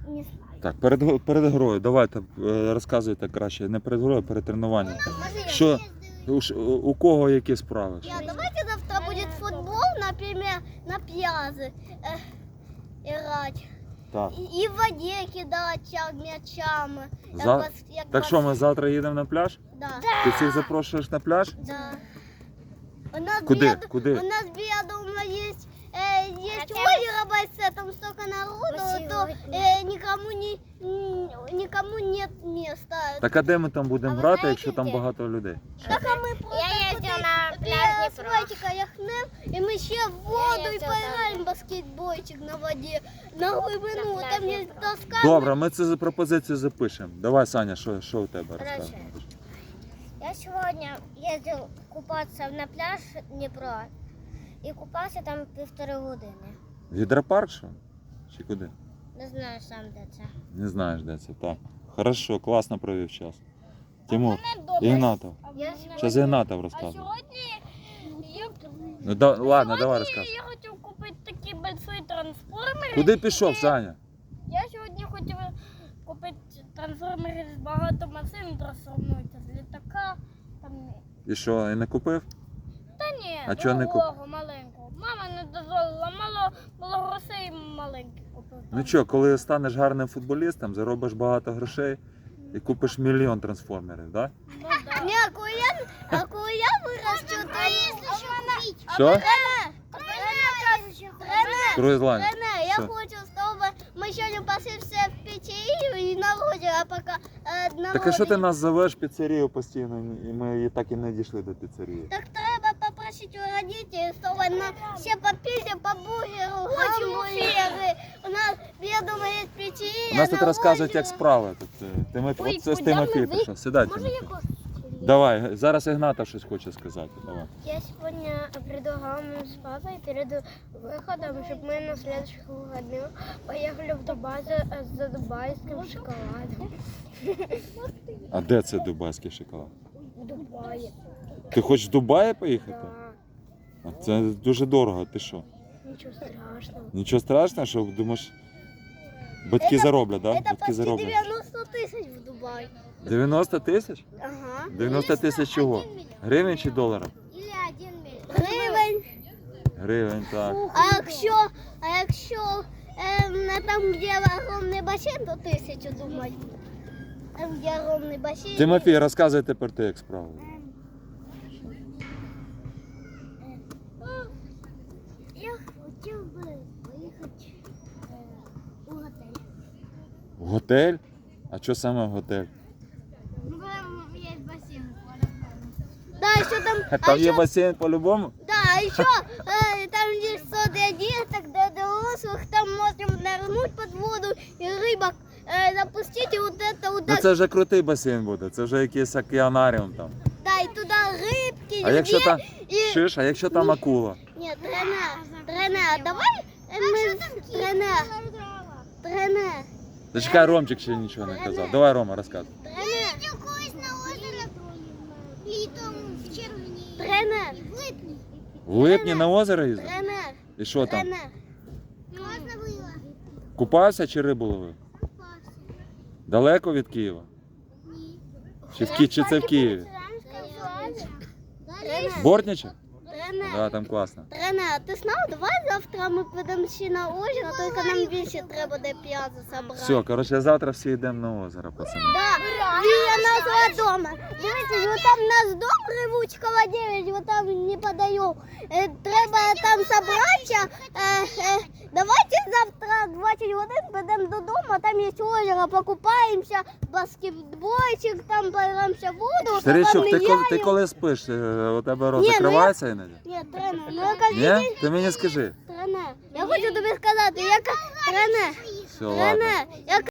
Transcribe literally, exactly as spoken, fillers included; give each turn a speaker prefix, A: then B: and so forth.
A: Не знаю.
B: Так, перед, перед грою, давайте е, розказуйте краще, не перед грою, а перед тренуванням. Що, у, ш- у кого які справи?
A: Я, давайте завтра будет футбол, например, на пляже э, играть.
B: Так.
A: И, и в воде кидать мячами. Як
B: За...
A: бас- як
B: Так що, ми завтра їдемо на пляж?
A: Да.
B: Ти всіх запрошуєш на пляж?
A: Да. У нас
B: Куди?
A: біля-
B: Куди?
A: У нас біля дома есть, э, есть озеро большое, там столько народу, то э, никому, не, н- никому нет места.
B: Так а де ми там будемо
A: А ви
B: грати,
A: знаєте,
B: якщо там
A: де?
B: багато людей?
A: Так а мы просто
C: Я ездила
A: туди
C: на
A: біля
C: пляж Дніпро.
A: асфальтика яхнем, и мы ще в воду и
C: ездила
A: поиграем в баскетбольчик на воде, на глибину,
C: На
A: там
C: пляж
A: есть
C: Дніпро.
A: доска.
B: Добре, ми цю пропозицію запишемо. Давай, Саня, що, що у тебе
C: Короче,
B: розказуєш?
C: Я сегодня ездил купаться на пляж Дніпро і купався там півтори години.
B: Гідропарк що? Чи куди?
C: Не знаю сам де це.
B: Не знаєш, де це. Так. Хорошо, класно провів час. Тимур, Ігнатов.
C: Я
B: Зараз Ігнатов
D: А
B: розказує.
D: сьогодні я,
B: Ну, да, ладно, давай
D: сьогодні
B: розказуй.
D: я хотів купити такі больші трансформери.
B: Куди пішов, Саня?
D: Я сьогодні хотів купити трансформери з багато машин, трансформуються з літака. Там...
B: І що, і не купив?
D: Та ні,
B: А чого не
D: другого маленького. Мама не дозволила, мало, мало грошей маленьких купив.
B: Ну що, коли станеш гарним футболістом, заробиш багато грошей і купиш мільйон трансформерів, так?
D: Ну, да.
A: Не, а коли я, а коли я виросту, то я...
B: Що?
A: Рене, Рене,
B: Круїзлайн.
A: Рене, я
B: Що?
A: хочу, чтобы мы сегодня пошли все в пиццерию и на озеро, пока э, на
B: Так а що ти
A: озеро.
B: нас зовеш в піцерію постійно, і ми і так і не дійшли до піцерії?
A: Так треба попросить у родителей, чтобы на все по пицце, по бургеру, гамбургеры. У нас, я думаю, есть пиццерия.
B: У нас тут
A: на
B: розказують, як
A: озеро.
B: справи. Тут, е, Тимофій,
D: Ой,
B: от це з
D: куди
B: Тимофій
D: ми
B: прийшов. Сідай,
C: Може
B: Тимофій.
C: якось?
B: Давай, зараз Ігнатов щось хоче сказати. Давай.
C: Я сегодня предлагала нам с папой перед выходом, чтобы мы на следующих выходных поехали в Дубай за, за дубайским шоколадом.
B: А де це дубайський шоколад?
C: В Дубае.
B: Ти хочеш в Дубаї поїхати?
C: Да.
B: А це дуже дорого, ти що?
C: Ничего страшного.
B: Нічого страшного, що думаєш, батьки зароблять, так? Да?
A: Это
B: Батьки
A: почти
B: зароблять.
A: девяносто тысяч в Дубай.
B: дев'яносто тисяч?
A: Ага.
B: дев'яносто тисяч чого? Гривень чи доларів?
A: Или один миллион. Гривень.
B: Гривень, так.
A: А якщо, а якщо ем, на там, де огромний басейн, то тисячу думаю. Там, де огромний басейн.
B: Тимофій, розказуй тепер ти, як справи.
A: Я хотів би поїхати у готель.
B: В готель? А що саме в готель?
A: Ну, там є басейн. Да, еще там, а
B: Там є
A: еще,
B: басейн по-любому?
A: да, а еще э, там есть что для деток, для взрослых, там можем нырнуть под воду и рыбок э, запустить, и вот это вот
B: Ну
A: так,
B: це вже крутий басейн буде, це вже якийсь океанаріум там.
A: да, и туда рыбки,
B: А якщо
A: две-
B: там,
A: и...
B: шиш, а якщо там акула?
A: Нет, Рене, Рене, а давай э, мы... Рене, Рене,
B: Зачекай, Ромчик ще нічого не казав. Давай, Рома, розказуй.
A: Рене,
C: Колись на озеро літом в червні.
A: Рене,
B: В липні на озеро їздив?
A: Рене,
B: І що там?
A: Рене.
C: Можна було?
B: Купався чи рибу ловив? Далеко від Києва? Чи, в Ки... чи це в Києві?
A: Рене,
B: Бортниче?
A: Рене.
B: Да, там класно.
A: Рене, а ти знав, давай завтра ми підемо ще на озеро, тільки нам більше треба де п'язу забрати.
B: Все, коротше, завтра всі йдемо на озеро, пацани.
A: Да, біля нашого дома. Дивіться, вот там наш дом, Ревучкова дев'ять, вот там неподалеку. Е, Треба там зібратися. Е, е, Давайте завтра двадцять годин підемо додому, там є озеро, покупаємося, баскетбольчик, там поіграємося в воду.
B: Старичок, ти, коли- ти
A: поміняємо.
B: коли спиш, е, у тебе рот
A: Ні, ну я-
B: закривається іноді?
A: Ні, Рене, ну я кажу,
B: Ні? Ти мені скажи.
A: Рене, я хочу тобі сказати, я ка- Рене,
B: Все, ладно.
A: Рене, я